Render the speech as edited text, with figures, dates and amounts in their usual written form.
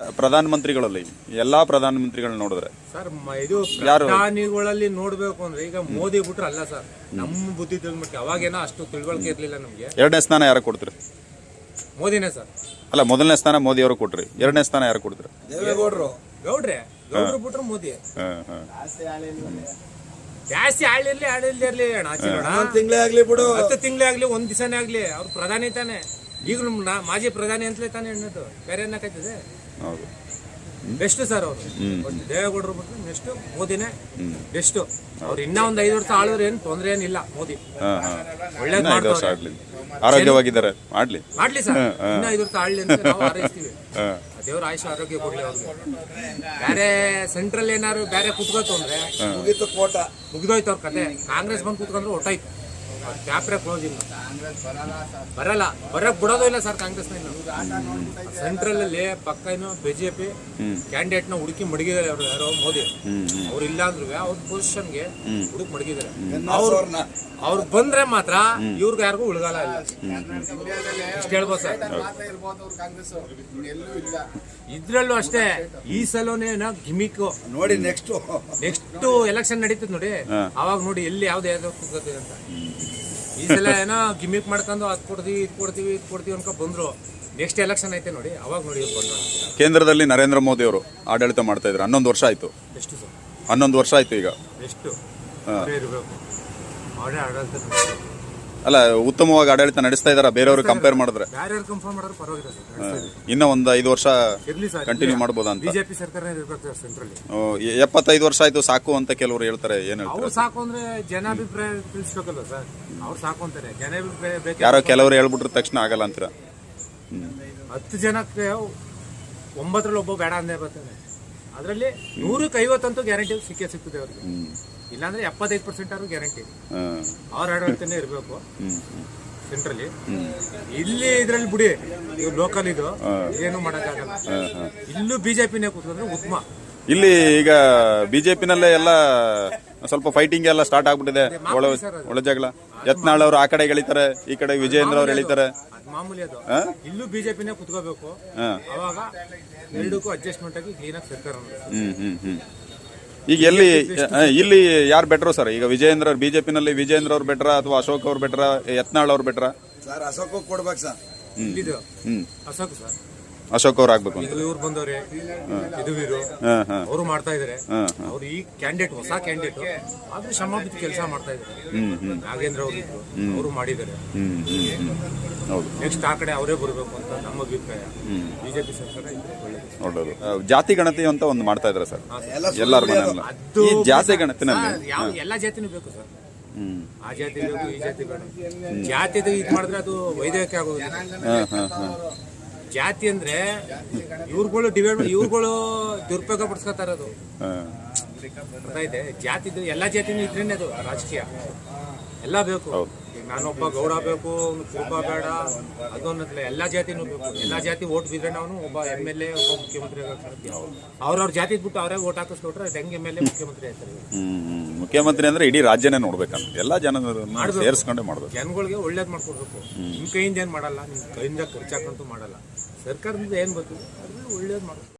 ಪ್ರಧಾನಮಂತ್ರಿಗಳಲ್ಲಿ ಎಲ್ಲಾ ಪ್ರಧಾನಮಂತ್ರಿಗಳನ್ನ ನೋಡಿದ್ರೆ ಸರ್ ಇದು ಪ್ರಧಾನಿಗಳಲ್ಲಿ ನೋಡ್ಬೇಕು ಅಂದ್ರೆ ಈಗ ಮೋದಿ ಬಿಟ್ರೆ ಅಲ್ಲ ಸರ್, ನಮ್ಮ ಬುದ್ಧಿ ತಿಳಿದ್ಬಿಟ್ಟು ಅವಾಗೇನೋ ಅಷ್ಟು ತಿಳುವಳಿಕೆ ಇರ್ಲಿಲ್ಲ ನಮ್ಗೆ. ಎರಡನೇ ಸ್ಥಾನ ಯಾರು ಕೊಡ್ತೀರಿ? ಮೋದಿನೇ ಸರ್. ಅಲ್ಲ, ಮೊದಲನೇ ಸ್ಥಾನ ಮೋದಿ ಅವರು ಕೊಟ್ರಿ, ಎರಡನೇ ಸ್ಥಾನ ಯಾರು ಕೊಡ್ತೀರಿ? ಗೌಡ್ರೆ ಬಿಟ್ರೆ ಮೋದಿ. ಜಾಸ್ತಿ ಆಳಿರ್ಲಿ ಇರ್ಲಿ ತಿಂಗಳೇ ಆಗ್ಲಿ ಬಿಡು, 10 ತಿಂಗಳೇ ಆಗ್ಲಿ, 1 ದಿವಸನೇ ಆಗ್ಲಿ, ಅವ್ರು ಪ್ರಧಾನಿ ತಾನೆ. ಈಗ ಮಾಜಿ ಪ್ರಧಾನಿ ಅಂತಲೇ ತಾನೆ ಎಣ್ಣದು, ಬೇರೆ ಏನಕ್ಕಾಯ್ತದೆ? ಹೌದು, ಬೆಸ್ಟ್ ಸರ್ ಅವರು. ದೇವೇಗೌಡರು ಬಿಟ್ರೆ ನೆಕ್ಸ್ಟ್ ಮೋದಿನೇ ಬೆಸ್ಟ್. ಅವ್ರು ಇನ್ನ ಒಂದ್ 5 ವರ್ಷ ಆಳೋರು ಏನ್ ತೊಂದ್ರೆ ಏನಿಲ್ಲ. ಮೋದಿ ಒಳ್ಳೇದ್ ಮಾಡ್ತಾರೆ, ಆರೋಗ್ಯವಾಗಿದ್ದಾರೆ, ಮಾಡ್ಲಿ ಸರ್. ಇನ್ನ 5 ವರ್ಷ ಆಳ್ಲಿ ಅಂತ ನಾವು ಹಾರೈಸ್ತೀವಿ. ದೇವ್ರ ಆಯುಷ ಆರೋಗ್ಯ ಕೊಡ್ಲಿ ಅವ್ರಿಗೆ. ಬೇರೆ ಸೆಂಟ್ರಲ್ ಏನಾರು ಬೇರೆ ಕುತ್ಕೋತು ಅಂದ್ರೆ ಮುಗಿದೋಯ್ತು ಅವ್ರ ಕತೆ. ಕಾಂಗ್ರೆಸ್ ಬಂದು ಕುತ್ಕೊಂಡ್ರೆ ಒಟ್ಟಾಯ್ತು, ಚಾಪ್ಟರ್ ಕ್ಲೋಸ್. ಇಲ್ಲ ಬರಕ್ ಬಿಡೋದು ಇಲ್ಲ ಸರ್ ಕಾಂಗ್ರೆಸ್. ಸೆಂಟ್ರಲ್ ಅಲ್ಲಿ ಪಕ್ಕ ಏನು ಬಿಜೆಪಿ ಕ್ಯಾಂಡಿಡೇಟ್ ನ ಹುಡುಕಿ ಮಡಗಿದ್ದಾರೆ ಅವ್ರು. ಯಾರೋ ಮೋದಿ ಅವ್ರು ಇಲ್ಲ ಅಂದ್ರು ಅವ್ರ ಪೊಸಿಷನ್ಗೆ ಹುಡುಕಿ ಮಡಗಿದ್ದಾರೆ. ಅವ್ರು ಬಂದ್ರೆ ಮಾತ್ರ ಇವ್ರಿಗೆ ಯಾರಿಗೂ ಉಳ್ಗಾಲ ಇಲ್ಲ, ಇಷ್ಟ ಹೇಳ್ಬೋದು ಸರ್. ಇದ್ರಲ್ಲೂ ಅಷ್ಟೇ, ಈ ಸಲನೇ ಗಿಮಿಕ್ ನೋಡಿ. ನೆಕ್ಸ್ಟ್ ಎಲೆಕ್ಷನ್ ನಡೀತದೆ ನೋಡಿ, ಅವಾಗ ನೋಡಿ ಎಲ್ಲಿ ಯಾವ್ದು ಕೂತ್ಕೋತೀವಿ ಅಂತ. ಈ ಸಲ ಏನೋ ಗಿಮಿಕ್ ಮಾಡ್ಕೊಂಡು ಅದ್ ಕೊಡ್ತೀವಿ ಅನ್ಕೊ ಬಂದ್ರು. ನೆಕ್ಸ್ಟ್ ಎಲೆಕ್ಷನ್ ಐತೆ ನೋಡಿ, ಅವಾಗ ನೋಡಿ ಬಂದ್ರು. ಕೇಂದ್ರದಲ್ಲಿ ನರೇಂದ್ರ ಮೋದಿ ಅವರು ಆಡಳಿತ ಮಾಡ್ತಾ ಇದ್ರು, 11 ವರ್ಷ ಆಯ್ತು. ಎಷ್ಟು ಸರ್? 11 ವರ್ಷ ಆಯ್ತು. ಈಗ ಎಷ್ಟು ಇರಬೇಕು ಆಡಳಿತ? ಅಲ್ಲ, ಉತ್ತಮವಾಗಿ ಆಡಳಿತ ನಡೆಸ್ತಾ ಇದಾರ ಬೇರೆಯವರು ಕಂಪೇರ್ ಮಾಡಿದ್ರೆ? ಇನ್ನ ಒಂದು 5 ವರ್ಷ ಕಂಟಿನ್ಯೂ ಮಾಡಬಹುದಾ ಅಂತ? ಬಿಜೆಪಿ ಸರ್ಕಾರ ಇರಬೇಕು ಸೆಂಟ್ರಲ್. 75 ವರ್ಷ ಆಯ್ತು ಸಾಕು ಅಂತ ಕೆಲವರು ಹೇಳ್ತಾರೆ. ಏನ್ ಹೇಳ್ತಾರೆ? ಅವ್ರು ಸಾಕು ಅಂದ್ರೆ ಜನಾಭಿಪ್ರಾಯ ತಿಳಿಸ್ಬೇಕಲ್ವ ಸರ್? ಅವ್ರು ಸಾಕು ಅಂತಾರೆ, ಜನಾಭಿಪ್ರಾಯ ಬೇಕು. ಯಾರೋ ಕೆಲವರು ಹೇಳ್ಬಿಟ್ರ ತಕ್ಷಣ ಆಗಲ್ಲ ಅಂತೀರ? 10 ಜನಕ್ಕೆ 9ರಲ್ಲಿ ಒಬ್ಬ ಬೇಡ ಅಂದೇ ಬರ್ತಾನೆ. ಅದರಲ್ಲಿ 100ಕ್ಕೆ 50 ಅಂತೂ ಗ್ಯಾರಂಟಿ ಸಿಗ್ತದೆ ಅವ್ರಿಗೆ. ಇಲ್ಲಾಂದ್ರೆ 75% ಆದ್ರೂ ಗ್ಯಾರಂಟಿ ಅವ್ರ ಆಡಳಿತನೇ ಇರಬೇಕು ಸೆಂಟ್ರಲ್ಲಿ. ಇಲ್ಲಿ ಇದ್ರಲ್ಲಿ ಬಿಡಿ, ಇವ್ರು ಲೋಕಲ್ ಇದು ಏನು ಮಾಡಕ್ಕಾಗಲ್ಲ. ಇಲ್ಲೂ ಬಿಜೆಪಿನೇ ಕೂತ್ಕೊಂಡ್ರೆ ಉತ್ತಮ. ಇಲ್ಲಿ ಈಗ ಬಿಜೆಪಿನಲ್ಲೇ ಎಲ್ಲ ಸ್ವಲ್ಪ ಫೈಟಿಂಗ್ ಎಲ್ಲ ಸ್ಟಾರ್ಟ್ ಆಗ್ಬಿಟ್ಟಿದೆ, ಒಳ ಜಗಳ. ಯತ್ನಾಳ್ ಅವರು ಆ ಕಡೆ ಎಳಿತಾರೆ, ಈ ಕಡೆ ವಿಜಯೇಂದ್ರ ಅವ್ರು ಎಳಿತಾರೆ. ಮಾಮೂಲಿ ಅದು. ಇಲ್ಲೂ ಬಿಜೆಪಿನೇ ಕುತ್ಕೋಬೇಕು, ಅವಾಗ ಎರಡಕ್ಕೂ ಅಡ್ಜಸ್ಟ್ಮೆಂಟ್ ಆಗಿ ಕ್ಲೀನ್ ಆಗಿ ಸರ್ಕಾರ. ಈಗ ಇಲ್ಲಿ ಯಾರು ಬೆಟ್ರು ಸರ್? ಈಗ ವಿಜಯೇಂದ್ರ ಬಿಜೆಪಿನಲ್ಲಿ ವಿಜಯೇಂದ್ರ ಅವ್ರು ಬೆಟ್ರ ಅಥವಾ ಅಶೋಕ್ ಅವ್ರು ಬೆಟ್ರ, ಯತ್ನಾಳ್ ಅವ್ರು ಬೆಟ್ರ? ಸರ್ ಅಶೋಕ್ ಕೊಡ್ಬೇಕು ಸರ್. ಅಶೋಕ್ ಸರ್, ಅಶೋಕ್ ಅವ್ರು ಆಗ್ಬೇಕು ಅಂತ. ಇವ್ರು ಬಂದವ್ರೆ, ಅವರು ಮಾಡ್ತಾ ಇದಾರೆ. ಅವ್ರು ಈ ಕ್ಯಾಂಡಿಡೇಟ್, ಹೊಸ ಕ್ಯಾಂಡಿಡೇಟ್ ಆದ್ರೂ ಶ್ರಮ ಬಿದ್ದು ಕೆಲಸ ಮಾಡ್ತಾ ಇದಾರೆ. ನಾಗೇಂದ್ರ ಅವರು ಇದ್ರು, ಅವರು ಮಾಡಿದ್ದಾರೆ. ನೆಕ್ಸ್ಟ್ ಆ ಕಡೆ ಅವರೇ ಬರಬೇಕು ಅಂತ ನಮ್ಮ ಅಭಿಪ್ರಾಯ. ಬಿಜೆಪಿ ಸರ್ಕಾರ ನೋಡೋದು ಜಾತಿ ಗಣತಿ ಅಂತ ಒಂದು ಮಾಡ್ತಾ ಇದಾರೆ ಸರ್ ಎಲ್ಲಾರ ಮನೆಯಲ್ಲ. ಈ ಜಾತಿ ಗಣತಿನಲ್ಲಿ ಎಲ್ಲಾ ಜಾತಿನೂ ಬೇಕು ಸರ್. ಆ ಜಾತಿ ಬೇಕು, ಈ ಜಾತಿ ಬೇಡ. ಜಾತಿ ಇದು ಮಾಡಿದ್ರೆ ಅದು ವೈದ್ಯಕೀಯ ಆಗೋದು. ಜಾತಿ ಅಂದ್ರೆ ಇವ್ರುಗಳು ಇವ್ರುಗಳು ದುರುಪಯೋಗ ಪಡಿಸ್ಕೊತಾರ. ಅದು ಬರ್ತಾ ಇದೆ. ಜಾತಿದು ಎಲ್ಲಾ ಜಾತಿನೂ ಇದ್ರೇನೆ ಅದು ರಾಜಕೀಯ. ಎಲ್ಲ ಬೇಕು. ನಾನೊಬ್ಬ ಗೌಡ ಬೇಕು, ಕುರುಬ ಬೇಡ, ಅದೊಂದಲ್ಲ, ಎಲ್ಲಾ ಜಾತಿನೂ ಬೇಕು. ಎಲ್ಲಾ ಜಾತಿ ಓಟ್ ಬಿದ್ರೆ ನಾವು ಒಬ್ಬ MLA, ಒಬ್ಬ ಮುಖ್ಯಮಂತ್ರಿ ಆಗ್ತಾರೆ. ಅವ್ರವ್ರ ಜಾತಿ ಬಿಟ್ಟು ಅವರೇ ಓಟ್ ಹಾಕಿಸ್ಕೊಟ್ರೆ ಹೆಂಗ್ MLA ಮುಖ್ಯಮಂತ್ರಿ ಆಗ್ತಾರೆ? ಮುಖ್ಯಮಂತ್ರಿ ಅಂದ್ರೆ ಇಡೀ ರಾಜ್ಯನೇ ನೋಡ್ಬೇಕಂತ ಎಲ್ಲಾ ಜನ ಸೇರಿಸ್ಕೊಂಡೇ ಮಾಡ್ಬೇಕು. ಜನಗಳಿಗೆ ಒಳ್ಳೇದ್ ಮಾಡ್ಕೊಡ್ಬೇಕು. ನಿಮ್ ಕೈಯಿಂದ ಏನ್ ಮಾಡಲ್ಲ, ನಿಮ್ ಕೈಯಿಂದ ಖರ್ಚಾಕಂತೂ ಮಾಡಲ್ಲ. ಸರ್ಕಾರದಿಂದ ಏನ್ ಬರ್ತದೆ ಒಳ್ಳೇದ್ ಮಾಡ್ಬೇಕು.